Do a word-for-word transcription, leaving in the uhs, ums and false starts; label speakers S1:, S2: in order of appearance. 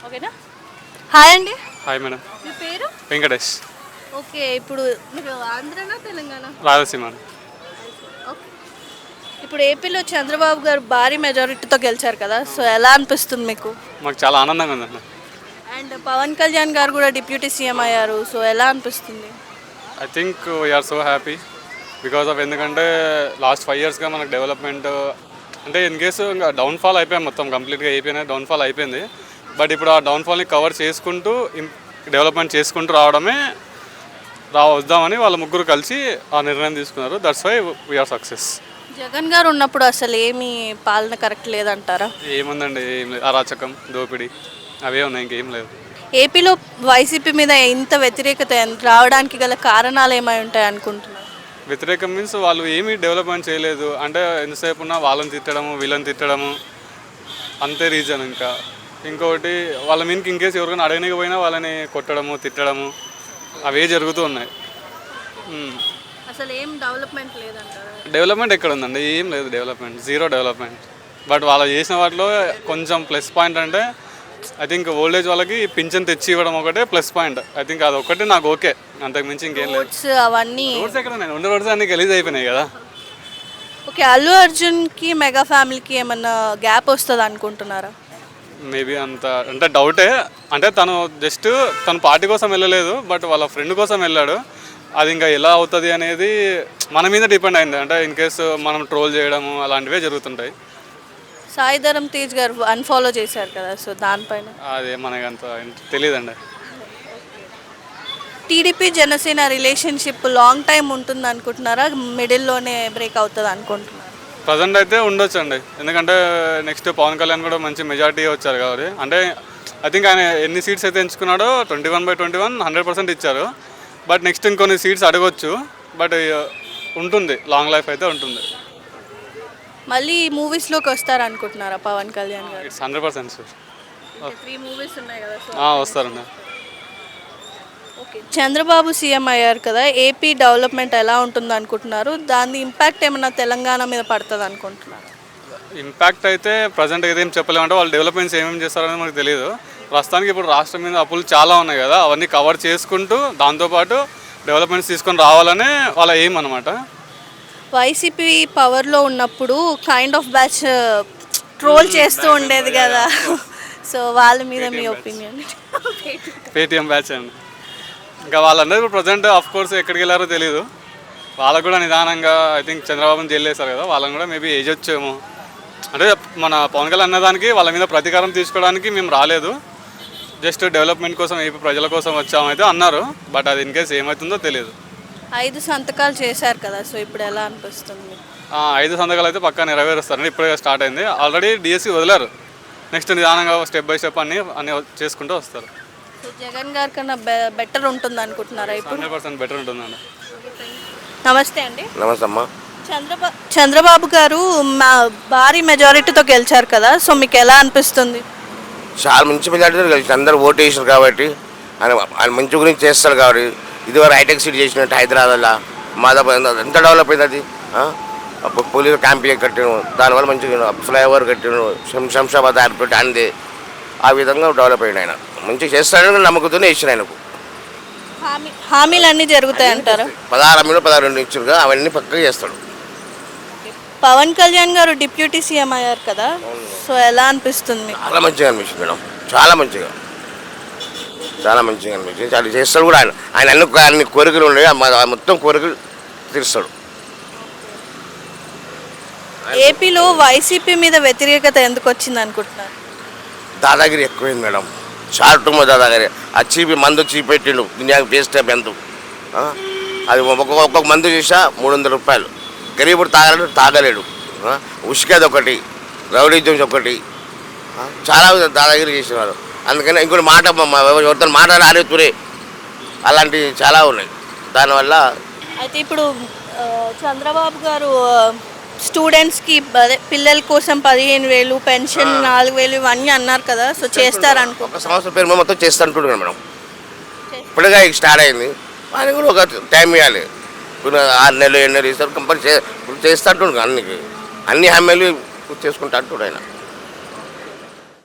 S1: ఓకేనా. హాయ్ అండి.
S2: Hi madam.
S1: మీ పేరు?
S2: వెంకటేష్.
S1: ఓకే, ఇప్పుడు మీరు ఆంధ్రనా తెలంగాణ?
S2: రాయలసీమ.
S1: ఓకే, ఇప్పుడు ఏపీలో చంద్రబాబు గారు భారీ మెజారిటీతో గెలిచారు కదా, సో ఎలా అనిపిస్తుంది మీకు?
S2: మాకు చాలా ఆనందంగా ఉందండి.
S1: అండ్ పవన్ కళ్యాణ్ గారు కూడా డిప్యూటీ సీఎం అయ్యారు, సో ఎలా అనిపిస్తుంది?
S2: I think we are so happy because of ఎందుకంటే లాస్ట్ ఫైవ్ ఇయర్స్గా మనకు డెవలప్మెంట్ అంటే ఇన్ కేసు ఇంకా డౌన్ఫాల్ అయిపోయింది, మొత్తం కంప్లీట్గా అయిపోయినాయి, డౌన్ఫాల్ అయిపోయింది. బట్ ఇప్పుడు ఆ డౌన్ఫాల్ని కవర్ చేసుకుంటూ డెవలప్మెంట్ చేసుకుంటూ రావడమే రా వద్దామని వాళ్ళ ముగ్గురు కలిసి ఆ నిర్ణయం తీసుకున్నారు. That's why we are success.
S1: Jagan గారు ఉన్నప్పుడు అసలు ఏమీ పాలన కరెక్ట్ లేదంటారా?
S2: ఏముందండి, ఏం లేదు, అరాచకం, దోపిడీ అవే ఉన్నాయి, ఇంకేం లేదు.
S1: ఏపీలో వైసీపీ మీద ఇంత వ్యతిరేకత రావడానికి గల కారణాలు ఏమై ఉంటాయి అనుకుంటున్నారు?
S2: వ్యతిరేకం మీన్స్ వాళ్ళు ఏమీ డెవలప్మెంట్ చేయలేదు అంటే ఎంతసేపు ఉన్నా వాళ్ళని తిట్టడము వీళ్ళని తిట్టడము అంతే రీజన్. ఇంకా ఇంకొకటి వాళ్ళ మీదకి ఇంకేసి ఎవరికైనా అడగనికి పోయినా వాళ్ళని కొట్టడము తిట్టడము అవే జరుగుతూ ఉన్నాయి.
S1: అసలు ఏం డెవలప్మెంట్ లేదంటారు?
S2: డెవలప్మెంట్ ఎక్కడ ఉందండి, ఏం లేదు, డెవలప్మెంట్ జీరో డెవలప్మెంట్. బట్ వాళ్ళు చేసిన వాటిలో కొంచెం ప్లస్ పాయింట్ అంటే ఐ థింక్ ఓల్డేజ్ వాళ్ళకి పింఛన్ తెచ్చి ఇవ్వడం ఒకటే ప్లస్ పాయింట్. ఐ థింక్ అది ఒకటి నాకు ఓకే, అంతకు మించి ఇంకేం లేదు.
S1: అవన్నీ
S2: రోడ్స్ ఎక్కడ ఉన్నాయి, ఉన్న రోడ్స్ అన్ని గలీజ్ అయిపోయినాయి కదా.
S1: ఓకే, అల్లు అర్జున్కి మెగా ఫ్యామిలీకి ఏమన్నా గ్యాప్ వస్తుంది అనుకుంటున్నారా?
S2: మేబీ అంత అంటే డౌటే. అంటే తను జస్ట్ తన పార్టీ కోసం వెళ్ళలేదు, బట్ వాళ్ళ ఫ్రెండ్ కోసం వెళ్ళాడు. అది ఇంకా ఎలా అవుతుంది అనేది మన మీద డిపెండ్ అయింది. అంటే ఇన్ కేసు మనం ట్రోల్ చేయడము అలాంటివే జరుగుతుంటాయి.
S1: సాయి ధరమ్ తేజ్ గారు అన్ఫాలో చేశారు కదా, సో దానిపైన
S2: అదే మనకు అంత తెలియదండి.
S1: TDP Janasena relationship long time ఉంటుంది అనుకుంటున్నారా, మిడిల్లోనే బ్రేక్ అవుతుంది అనుకుంటున్నారా?
S2: ప్రజెంట్ అయితే ఉండొచ్చు అండి, ఎందుకంటే నెక్స్ట్ పవన్ కళ్యాణ్ కూడా మంచి మెజార్టీ వచ్చారు కాబట్టి. అంటే ఐ థింక్ ఆయన ఎన్ని సీట్స్ అయితే ఎంచుకున్నాడో twenty one by twenty one hundred percent ఇచ్చారు. బట్ నెక్స్ట్ ఇంకొన్ని సీట్స్ అడగొచ్చు, బట్ ఉంటుంది, లాంగ్ లైఫ్ అయితే ఉంటుంది.
S1: మళ్ళీ మూవీస్లోకి వస్తారు అనుకుంటున్నారా పవన్ కళ్యాణ్ గారు?
S2: It's hundred percent sir.
S1: Three movies ఉన్నాయి కదా,
S2: వస్తారండి.
S1: ఓకే, చంద్రబాబు సీఎం అయ్యారు కదా, ఏపీ డెవలప్మెంట్ ఎలా ఉంటుంది అనుకుంటున్నారు? దాని ఇంపాక్ట్ ఏమన్నా తెలంగాణ మీద పడుతుంది అనుకుంటున్నారు?
S2: ఇంపాక్ట్ అయితే ప్రజెంట్ అయితే ఏం చెప్పలేమంటే వాళ్ళు డెవలప్మెంట్స్ ఏమేమి చేస్తారని మనకు తెలియదు. ప్రస్తుతానికి ఇప్పుడు రాష్ట్రం మీద అప్పులు చాలా ఉన్నాయి కదా, అవన్నీ కవర్ చేసుకుంటూ దాంతోపాటు డెవలప్మెంట్స్ తీసుకొని రావాలనే వాళ్ళ ఎయిమ్ అనమాట.
S1: వైసీపీ పవర్లో ఉన్నప్పుడు కైండ్ ఆఫ్ బ్యాచ్ ట్రోల్ చేస్తూ ఉండేది కదా, సో వాళ్ళ మీద మీ ఒపీనియన్?
S2: పేటిఎం బ్యాచ్ అండి. ఇంకా వాళ్ళందరూ ఇప్పుడు ప్రజెంట్ ఆఫ్ కోర్స్ ఎక్కడికి వెళ్ళారో తెలియదు. వాళ్ళకు కూడా నిదానంగా ఐ థింక్ చంద్రబాబుని జైలు వేశారు కదా, వాళ్ళని కూడా మేబీ ఏజ్ వచ్చేమో. అంటే మన పవన్ కళ్యాణ్ అన్నదానికి వాళ్ళ మీద ప్రతీకారం తీసుకోవడానికి మేము రాలేదు, జస్ట్ డెవలప్మెంట్ కోసం ఏపీ ప్రజల కోసం వచ్చామైతే అన్నారు. బట్ అది ఇన్ కేసు ఏమవుతుందో తెలియదు.
S1: ఐదు సంతకాలు చేశారు కదా, సో ఇప్పుడు ఎలా అనిపిస్తుంది?
S2: ఐదు సంతకాలు అయితే పక్కా నెరవేరుస్తారండి, ఇప్పుడే స్టార్ట్ అయింది. ఆల్రెడీ డిఎస్సి వదిలారు, నెక్స్ట్ నిదానంగా స్టెప్ బై స్టెప్ అన్ని అన్ని చేసుకుంటూ వస్తారు.
S1: సో జగన్ గారి కన్నా బెటర్ ఉంటుంది అనుకుంటున్నారా ఇప్పుడు?
S2: హండ్రెడ్ పర్సెంట్ బెటర్ ఉంటుందండి.
S1: నమస్తే అండి.
S3: నమస్తే అమ్మా.
S1: చంద్రబాబు చంద్రబాబు గారు మా భారీ మెజారిటీతో గెలిచారు కదా, సో మీకు ఎలా అనిపిస్తుంది?
S3: చాలా మంచి మెజార్టీతో గెలిచి అందరూ ఓటు వేసారు కాబట్టి ఆయన ఆయన మంచి గురించి చేస్తారు కాబట్టి. ఇదివరకు హైటెక్ సిటీ చేసినట్టు హైదరాబాద్లో మాదాపూర్ ఎంత డెవలప్ అయింది అది. పోలీసు క్యాంప్ కట్టాను, దానివల్ల మంచిగా ఫ్లైఓవర్ కట్టాను, శంషాబాద్ ఎయిర్పోర్ట్ అంది. ఆ విధంగా డెవలప్ అయ్యాడు ఆయన, మంచిగా చేస్తాడని నమ్మకంతోనే ఇచ్చాను ఆయనకు.
S1: హామీలు అన్నీ జరుగుతాయి అంటారు?
S3: పదహారు హామీలు పదహారు రెండు ఇచ్చారుగా, అవన్నీ పక్కగా చేస్తాడు.
S1: పవన్ కళ్యాణ్ గారు డిప్యూటీ సీఎం అయ్యారు కదా, సో ఎలా అనిపిస్తుంది?
S3: చాలా మంచిగా అనిపిస్తుంది మేడం, చాలా మంచిగా చాలా మంచిగా అనిపించింది. చాలా చేస్తాడు కూడా ఆయన. ఆయన అన్ని అన్ని కోరికలు ఉన్నాయి, మొత్తం కోరికలు తీరుస్తాడు.
S1: ఏపీలో వైసీపీ మీద వ్యతిరేకత ఎందుకు వచ్చింది అనుకుంటున్నారు?
S3: దాదాగిరి ఎక్కువైంది మేడం, చాలా టుమ్మ దాదాగిరి. ఆ చీపి మందు చీపెట్టిండు, దునియాకి వేస్ట్ ఎంత అది. ఒక్కొక్క ఒక్కొక్క మందు చూసా మూడు వందల రూపాయలు. గరీబుడు తాగలేడు తాగలేడు ఉష్కేది ఒకటి, రౌడీజమ్స్ ఒకటి, చాలా దాదాగిరి చేసేవారు. అందుకని ఇంకోటి మాట ఎవరితో మాట ఆరేతురే అలాంటివి చాలా ఉన్నాయి. దానివల్ల
S1: అయితే ఇప్పుడు చంద్రబాబు గారు స్టూడెంట్స్కి అదే పిల్లల కోసం పదిహేను వేలు పెన్షన్ నాలుగు వేలు ఇవన్నీ అన్నారు కదా, సో చేస్తారనుకో.
S3: ఒక సంవత్సరం పేరు మొత్తం చేస్తా అంటున్నాను మేడం. ఇప్పుడుగా స్టార్ట్ అయింది, ఆయన కూడా ఒక టైం ఇవ్వాలి. ఇప్పుడు ఆరు నెలలు ఏడు నెలలు ఇస్తారు కంపల్సరీ చేస్తా అంటున్నాను. అన్ని అన్ని హామీలు చేసుకుంటా అంటున్నాడు ఆయన.